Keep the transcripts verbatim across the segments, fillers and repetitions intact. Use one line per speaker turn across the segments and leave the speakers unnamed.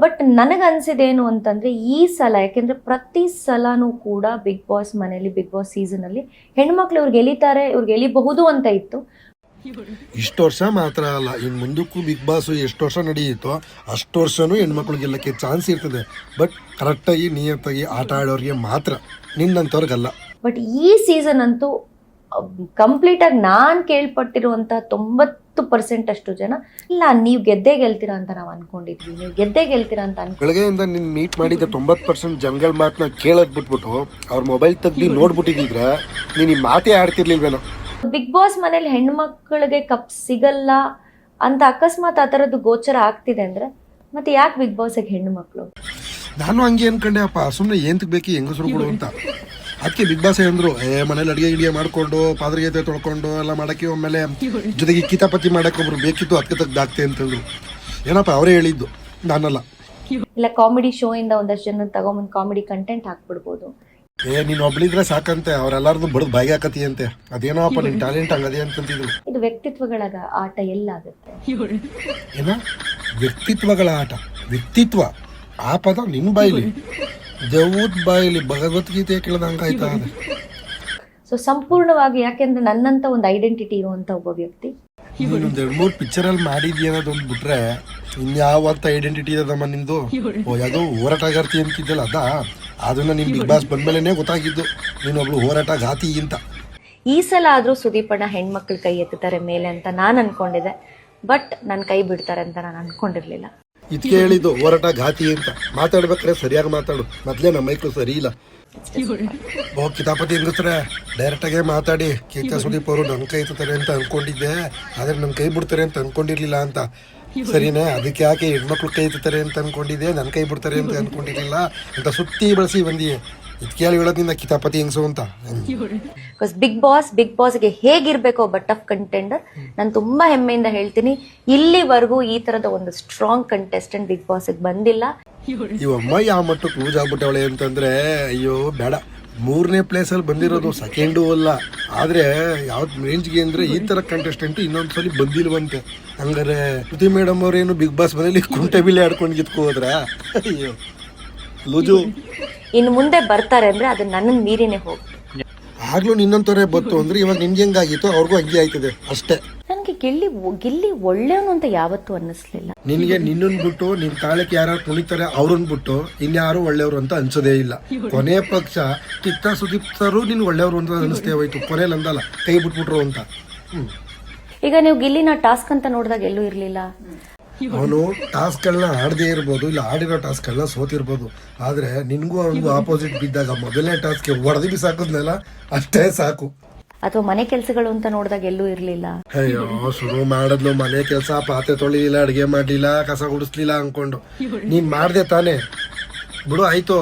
But ನನಗನ್ಸಿದೇನು ಅಂತಂದರೆ ಈ ಸಲ, ಯಾಕೆಂದರೆ ಪ್ರತಿ ಸಲನೂ ಕೂಡ ಬಿಗ್ ಬಾಸ್ ಮನೆಯಲ್ಲಿ, ಬಿಗ್ ಬಾಸ್ ಸೀಸನಲ್ಲಿ ಹೆಣ್ಮಕ್ಳು ಇವ್ರು ಗೆಲ್ಲಿತಾರೆ, ಇವ್ರು ಗೆಲ್ಲಿಬಹುದು ಅಂತ ಇತ್ತು.
ಇಷ್ಟು ವರ್ಷ ಮಾತ್ರ ಅಲ್ಲ, ಇನ್ನು ಮುಂದಕ್ಕೂ ಬಿಗ್ ಬಾಸ್ ಎಷ್ಟು ವರ್ಷ ನಡೆಯುತ್ತೋ ಅಷ್ಟು ವರ್ಷನೂ ಹೆಣ್ಮಕ್ಳು ಗೆಲ್ಲಕ್ಕೆ ಚಾನ್ಸ್ ಇರ್ತದೆ. ಬಟ್ ಕರೆಕ್ಟಾಗಿ ನಿಯತ್ತಾಗಿ ಆಟ ಆಡೋರಿಗೆ ಮಾತ್ರ, ನಿನ್ನಂಥವ್ರಿಗಲ್ಲ.
ಬಟ್ ಈ ಸೀಸನ್ ಅಂತೂ ಕಂಪ್ಲೀಟಾಗಿ ನಾನು ಕೇಳ್ಪಟ್ಟಿರುವಂಥ ತೊಂಬತ್ತು ಪರ್ಸೆಂಟ್ ಅಷ್ಟು ಜನ ಇಲ್ಲ ನೀವು ಗೆದ್ದೇ ಗೆಲ್ತೀರಾ ಅಂತ ನಾವು ಅನ್ಕೊಂಡಿದ್ವಿ, ನೀವು ಗೆದ್ದೇ ಗೆಲ್ತೀರಾ ಅಂತ ಅನ್ಕೊಂಡು
ಬೆಳಗ್ಗೆಯಿಂದ ನಿನ್ನ ಮೀಟ್ ಮಾಡಿದ್ದ ತೊಂಬತ್ತು ಪರ್ಸೆಂಟ್ ಜನಗಳ ಮಾತನ್ನ ಕೇಳೋದ್ ಬಿಟ್ಬಿಟ್ಟು ಅವ್ರ ಮೊಬೈಲ್ ತೆಗ್ದು ನೋಡ್ಬಿಟ್ಟಿದ್ರೆ ನೀನು ಈ ಮಾತೇ ಆಡ್ತಿರ್ಲಿಲ್ವೇನೋ.
ಬಿಗ್ ಬಾಸ್ ಮನೇಲಿ ಹೆಣ್ಮಕ್ಳಿಗೆ ಕಪ್ ಸಿಗಲ್ಲ ಅಂತ ಅಕಸ್ಮಾತ್ ಆ ಥರದ್ದು ಗೋಚರ ಆಗ್ತಿದೆ ಅಂದರೆ ಮತ್ತೆ ಯಾಕೆ ಬಿಗ್ ಬಾಸ್ಗೆ ಹೆಣ್ಣು ಮಕ್ಕಳು?
ನಾನು ಹಂಗೆ ಅನ್ಕೊಂಡೆ ಅಪ್ಪ, ಸುಮ್ಮನೆ ಏಂತಕ್ಕೆ ಬೇಕು ಹೆಂಗಸರುಗಳು ಅಂತ. ಅದಕ್ಕೆ ಬಿಗ್ ಬಾಸ್ ಅಂದ್ರು, ಏ ಮನೇಲಿ ಅಡುಗೆ ಗಿಡಿಗೆ ಮಾಡ್ಕೊಂಡು ಪಾದ್ರಗೀತೆ ತೊಳ್ಕೊಂಡು ಎಲ್ಲ ಮಾಡಕ್ಕೆ, ಆಮೇಲೆ ಜೊತೆಗೆ ಕಿತಾಪತಿ ಮಾಡಕ್ಕೆ ಒಬ್ರು ಬೇಕಿತ್ತು, ಅದಕ್ಕೆ ತೆಗ್ದಾಕ್ತೆ ಅಂತಂದ್ರು. ಏನಪ್ಪ ಅವರೇ ಹೇಳಿದ್ದು, ನಾನಲ್ಲ.
ಇಲ್ಲ ಕಾಮಿಡಿ ಶೋ ಇಂದ ಒಂದಷ್ಟು ಜನ ತಗೊಂಬಂದು ಕಾಮಿಡಿ ಕಂಟೆಂಟ್ ಹಾಕ್ಬಿಡ್ಬೋದು.
ಏ ನೀನ್ ಒಬ್ಳಿದ್ರೆ ಸಾಕಂತೆ, ಅವ್ರೆಲ್ಲಾರ್ದು ಬಡದ್ ಬಾಯಿಗೆ ಹಾಕತಿ ಅಂತೆ. ಅದೇನೋಪ್ಪ ನಿನ್ ಟ್ಯಾಲೆಂಟ್ ಹಂಗದೆ ಅಂತಂತಿದ್ರು.
ಇದು ವ್ಯಕ್ತಿತ್ವಗಳ ಆಟ ಎಲ್ಲಾಗುತ್ತೆ.
ಏನ ವ್ಯಕ್ತಿತ್ವಗಳ ಆಟ? ವ್ಯಕ್ತಿತ್ವ ಆ ಪದ ನಿನ್ ಬಾಯಿಲಿ, ದೇವದ್ ಬಾಯಿಲಿ ಭಗವದ್ಗೀತೆ ಕೇಳದಂಗಾಯ್ತಾ?
ಸೊ ಸಂಪೂರ್ಣವಾಗಿ, ಯಾಕೆಂದ್ರೆ ನನ್ನಂತ ಒಂದು ಐಡೆಂಟಿಟಿ ಇರುವಂತ ಒಬ್ಬ ವ್ಯಕ್ತಿ.
ನೀನೊಂದ್ ಎರಡ್ ಮೂರ್ ಪಿಕ್ಚರ್ ಅಲ್ಲಿ ಮಾಡಿದ್ಯ ಅನ್ನೋದೊಂದು ಬಿಟ್ರೆ ಇನ್ಯಾವಂತ ಐಡೆಂಟಿಟಿ ಇದಮ್ಮ ನಿಂದು? ಓ ಯಾವ್ದೋ ಹೋರಾಟಗಾರ್ತಿ ಅಂತಿದ್ದಲ್ಲ ಅದ, ಅದನ್ನ ನಿಮ್ ಬಿಗ್ ಬಾಸ್ ಬಂದ್ಮೇಲೆನೆ ಗೊತ್ತಾಗಿದ್ದು ನೀನೊಬ್ಳು ಹೋರಾಟಗಾತಿ ಅಂತ.
ಈ ಸಲ ಆದ್ರೂ ಸುದೀಪಣ್ಣ ಹೆಣ್ಮಕ್ಳು ಕೈ ಎತ್ತುತ್ತಾರೆ ಮೇಲೆ ಅಂತ ನಾನು ಅನ್ಕೊಂಡಿದ್ದೆ, ಬಟ್ ನನ್ ಕೈ ಬಿಡ್ತಾರೆ ಅಂತ ನಾನು ಅನ್ಕೊಂಡಿರ್ಲಿಲ್ಲ.
ಇದಕ್ಕೆ ಹೇಳಿದ್ದು ಹೋರಾಟಗಾತಿ ಅಂತ. ಮಾತಾಡ್ಬೇಕಾದ್ರೆ ಸರಿಯಾಗಿ ಮಾತಾಡು, ಮೊದ್ಲೇ ನಮ್ಮ ಮೈಕ್ಳು ಸರಿ ಇಲ್ಲ. ಓ ಕಿತಾಪತಿ ಹೆಂಗಸ್ರೆ ಡೈರೆಕ್ಟ್ ಆಗೇ ಮಾತಾಡಿ, ಕೇಕ ಸುದೀಪ್ ಅವರು ನನ್ ಕೈ ಎತ್ತುತ್ತಾರೆ ಅಂತ ಅನ್ಕೊಂಡಿದ್ದೆ, ಆದ್ರೆ ನನ್ ಕೈ ಬಿಡ್ತಾರೆ ಅಂತ ಅನ್ಕೊಂಡಿರ್ಲಿಲ್ಲ ಅಂತ. ಸರಿನೇ, ಅದಕ್ಕೆ ಯಾಕೆ ಹೆಣ್ಮಕ್ಳು ಕೈ ಎತ್ತುತ್ತಾರೆ ಅಂತ ಅನ್ಕೊಂಡಿದ್ದೆ, ನನ್ ಕೈ ಬಿಡ್ತಾರೆ ಅಂತ ಅನ್ಕೊಂಡಿರ್ಲಿಲ್ಲ ಅಂತ ಸುತ್ತಿ ಬಳಸಿ ಬಂದಿ. ಇದಕ್ಕೆ ಹೇಳೋದ್ರಿಂದ ಕಿತಾಪತಿ ಹೆಂಗಸು ಅಂತ.
ಬಿಗ್ ಬಾಸ್ ಬಿಗ್ ಬಾಸ್ಗೆ ಹೇಗಿರ್ಬೇಕು ಒಬ್ಬ ಟಫ್ ಕಂಟೆಂಡರ್, ನಾನು ತುಂಬಾ ಹೆಮ್ಮೆಯಿಂದ ಹೇಳ್ತೀನಿ, ಇಲ್ಲಿವರೆಗೂ ಈ ತರದ ಒಂದು ಸ್ಟ್ರಾಂಗ್ ಕಂಟೆಸ್ಟೆಂಟ್ ಬಿಗ್ ಬಾಸ್ಗೆ ಬಂದಿಲ್ಲ.
ಇವಮ್ಮ ಯಾವ ಮಟ್ಟಕ್ಕೆ ಲೂಸ್ ಆಗ್ಬಿಟ್ಟವಳೆ ಅಂತಂದ್ರೆ, ಅಯ್ಯೋ ಬೇಡ. ಮೂರನೇ ಪ್ಲೇಸ್ ಅಲ್ಲಿ ಬಂದಿರೋದು, ಸೆಕೆಂಡು ಅಲ್ಲ. ಆದ್ರೆ ಯಾವ್ದ್ ರೇಂಜ್ಗೆ ಅಂದ್ರೆ ಈ ತರ ಕಂಟೆಸ್ಟೆಂಟ್ ಇನ್ನೊಂದ್ಸಲಿ ಬಂದಿಲ್ವಂತೆ. ಹಂಗಾರೆ ಶ್ರುತಿ ಮೇಡಮ್ ಅವ್ರೇನು ಬಿಗ್ ಬಾಸ್ ಮನೇಲಿ ಕುಂಟೆ ಬಿಲ್ಲೆ ಆಡ್ಕೊಂಡು ಗಿತ್ಕೊ ಹೋದ್ರ? ಅಯ್ಯೋ ಲೂಜು.
ಇನ್ನು ಮುಂದೆ ಬರ್ತಾರೆ ಅಂದ್ರೆ ಅದು ನನ್ನ ಮೀರಿನೇ ಹೋಗಿ.
ಆಗ್ಲೂ ನಿನ್ನಂತವರೇ ಬತ್ತು ಅಂದ್ರೆ ಇವಾಗ ನಿಮ್ಗೆ ಹೆಂಗಾಗಿತ್ತು ಅವ್ರಿಗೂ ಹಂಗೆ ಆಯ್ತದೆ ಅಷ್ಟೇ.
ನನ್ಗೆ ಗೆಲ್ಲಿ ಗಿಲ್ಲಿ ಒಳ್ಳೆಯವನು ಅಂತ ಯಾವತ್ತೂ ಅನ್ನಿಸ್ಲಿಲ್ಲ.
ನಿನ್ಗೆ ನಿನ್ನನ್ ಬಿಟ್ಟು ನಿನ್ ತಾಳಕ್ಕೆ ಯಾರು ತುಳಿತಾರೆ ಅವ್ರನ್ ಬಿಟ್ಟು ಇನ್ಯಾರು ಒಳ್ಳೆಯವರು ಅಂತ ಅನ್ಸೋದೇ ಇಲ್ಲ. ಕೊನೆ ಪಕ್ಷ ಕಿತ್ತ ಸುದೀಪ್ತರು ನಿನ್ ಒಳ್ಳೆಯವರು ಅಂತ ಅನಿಸ್ತೇ ಹೋಯ್ತು, ಕೊನೆಯಲ್ಲಿ ಅಂದಲ್ಲ ಕೈ ಬಿಟ್ಬಿಟ್ರು ಅಂತ. ಹ್ಮ್
ಈಗ ನೀವು ಗಿಲ್ಲಿನ ಟಾಸ್ಕ್ ಅಂತ ನೋಡಿದಾಗ ಎಲ್ಲೂ ಇರ್ಲಿಲ್ಲ.
ಅವನು ಟಾಸ್ಕ್ ಗಳನ್ನ ಆಡದೇ ಇರ್ಬೋದು, ಇಲ್ಲ ಆಡಿರೋ ಟಾಸ್ಕ್ ಗಳನ್ನ ಸೋತಿರ್ಬೋದು, ಆದ್ರೆ ನಿನ್ಗೂ ಅವನಿಗೂ ಆಪೋಸಿಟ್ ಬಿದ್ದಾಗ ಮೊದಲನೇ ಟಾಸ್ಕ್ ಹೊಡೆದು ಬಿಸಾಕದ್ನಲ್ಲ ಅಷ್ಟೇ ಸಾಕು.
ಅಥವಾ ಮನೆ ಕೆಲಸಗಳು ಅಂತ ನೋಡಿದಾಗ ಎಲ್ಲೂ ಇರ್ಲಿಲ್ಲ.
ಅಯ್ಯೋ ಶುರು ಮಾಡದ್ಲು ಮನೆ ಕೆಲಸ, ಪಾತ್ರೆ ತೊಳಿಲಿಲ್ಲ, ಅಡಿಗೆ ಮಾಡ್ಲಿಲ್ಲ, ಕಸ ಗುಡಿಸ್ಲಿಲ್ಲ ಅನ್ಕೊಂಡು. ನೀನ್ ಮಾಡ್ದೆ ತಾನೆ, ಬಿಡು ಆಯ್ತು.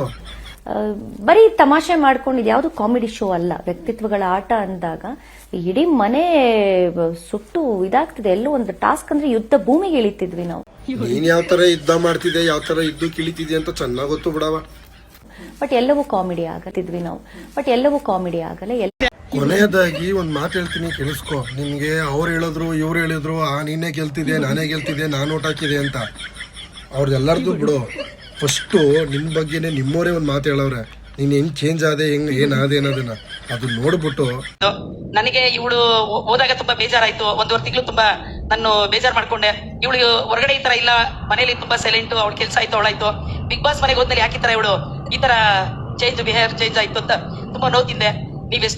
ಬರೀ ತಮಾಷೆ ಮಾಡ್ಕೊಂಡಿದ್ ಯಾವ್ದು ಕಾಮಿಡಿ ಶೋ ಅಲ್ಲ. ವ್ಯಕ್ತಿತ್ವಗಳ ಆಟ ಅಂದಾಗ ಇಡೀ ಮನೆ ಸುಟ್ಟು ಇದಾಗ್ತಿದೆ. ಎಲ್ಲೋ ಒಂದು ಟಾಸ್ಕ್ ಅಂದ್ರೆ ಯುದ್ಧ ಭೂಮಿಗೆ ಇಳಿತಿದ್ವಿ ನಾವು.
ನೀನ್ ಯಾವ ತರ ಯುದ್ಧ ಮಾಡ್ತಿದ್ದೆ, ಯಾವ ತರ ಯುದ್ಧ ಕಿಳಿತಿದ್ದೆ ಅಂತ ಚೆನ್ನಾಗ್ ಗೊತ್ತು ಬಿಡವ.
ಬಟ್ ಎಲ್ಲವೂ ಕಾಮಿಡಿ ಆಗತ್ತಿದ್ವಿ ನಾವು, ಬಟ್ ಎಲ್ಲವೂ ಕಾಮಿಡಿ ಆಗಲ್ಲ.
ಕೊನೆಯದಾಗಿ ಒಂದ್ ಮಾತು ಹೇಳ್ತೀನಿ ಕೇಳಿಸ್ಕೊ. ನಿನ್ಗೆ ಅವ್ರು ಹೇಳಿದ್ರು ಇವ್ರು ಹೇಳಿದ್ರು, ಆ ನೀನೇ ಗೆಲ್ತಿದ್ದೆ, ನಾನೇ ಗೆಲ್ತಿದ್ದೆ, ನಾನು ಓಟ್ ಹಾಕಿದೆ ಅಂತ. ಅವ್ರದ್ದೆಲ್ಲರದು ಬಿಡು. ಫಸ್ಟು ನಿನ್ ಬಗ್ಗೆನೆ ನಿಮ್ಮವರೇ ಒಂದ್ ಮಾತು ಹೇಳವ್ರೆ, ನೀನ್ ಹೆಂಗ್ ಚೇಂಜ್ ಆದೆ, ಹೆಂಗ್ ಏನಾದೆ ಅನ್ನೋದನ್ನ ಅದು ನೋಡ್ಬಿಟ್ಟು.
ನನಗೆ ಇವಳು ಹೋದಾಗ ತುಂಬಾ ಬೇಜಾರಾಯ್ತು. ಒಂದೂವರೆ ತಿಂಗಳು ತುಂಬಾ ನಾನು ಬೇಜಾರ್ ಮಾಡ್ಕೊಂಡೆ. ಇವಳು ಹೊರಗಡೆ ಈ ತರ ಇಲ್ಲ, ಮನೇಲಿ ತುಂಬಾ ಸೈಲೆಂಟ್, ಅವಳ ಕೆಲಸ ಆಯ್ತು ಅವಳಾಯ್ತು. ಬಿಗ್ ಬಾಸ್ ಮನೆಗೆ ಹೋದ್ಮೇಲೆ ಯಾಕೆ ಈ ತರ ಇವಳು ಈ ತರ ಚೇಂಜ್ ಬಿಹೇವಿಯರ್ ಚೇಂಜ್ ಆಯ್ತು ಅಂತ ತುಂಬಾ ನೋತಿದ್ದೆ. ನೀವೆಷ್ಟು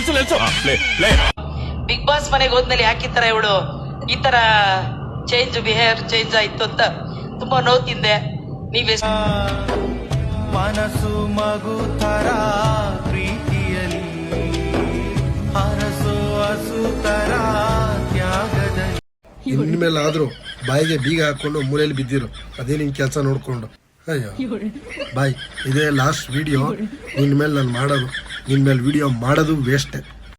ಬಿಗ್ ಬಾಸ್ ಮನೆಗೆ ಹೋದ್ಮೇಲೆ ಯಾಕೆ ಈ ತರ ಇವಳು ಈ ತರ ಚೇಂಜ್ ಬಿಹೇವಿಯರ್ ಚೇಂಜ್ ಆಯ್ತು ಅಂತ ತುಂಬಾ ನೋತಿದ್ದೆ. ನೀವೆಷ್ಟು
ಮನಸ್ಸು ಮಗು ತರ ಪ್ರೀತಿಯಲ್ಲಿ ಹರಸು ಹಸು ತರ ತ್ಯಾಗದಲ್ಲಿ.
ಇನ್ಮೇಲಾದ್ರೂ ಬಾಯಿಗೆ ಬೀಗ ಹಾಕೊಂಡು ಮೂಲೆಯಲ್ಲಿ ಬಿದ್ದಿರು, ಅದೇ ನಿನ್ ಕೆಲಸ ನೋಡ್ಕೊಂಡು. ಅಯ್ಯೋ ಬಾಯ್, ಇದೇ ಲಾಸ್ಟ್ ವಿಡಿಯೋ. ನಿನ್ ಮೇಲೆ ನಾನು ಮಾಡೋದು, ನಿನ್ ಮೇಲೆ ವಿಡಿಯೋ ಮಾಡೋದು ವೇಸ್ಟೇ.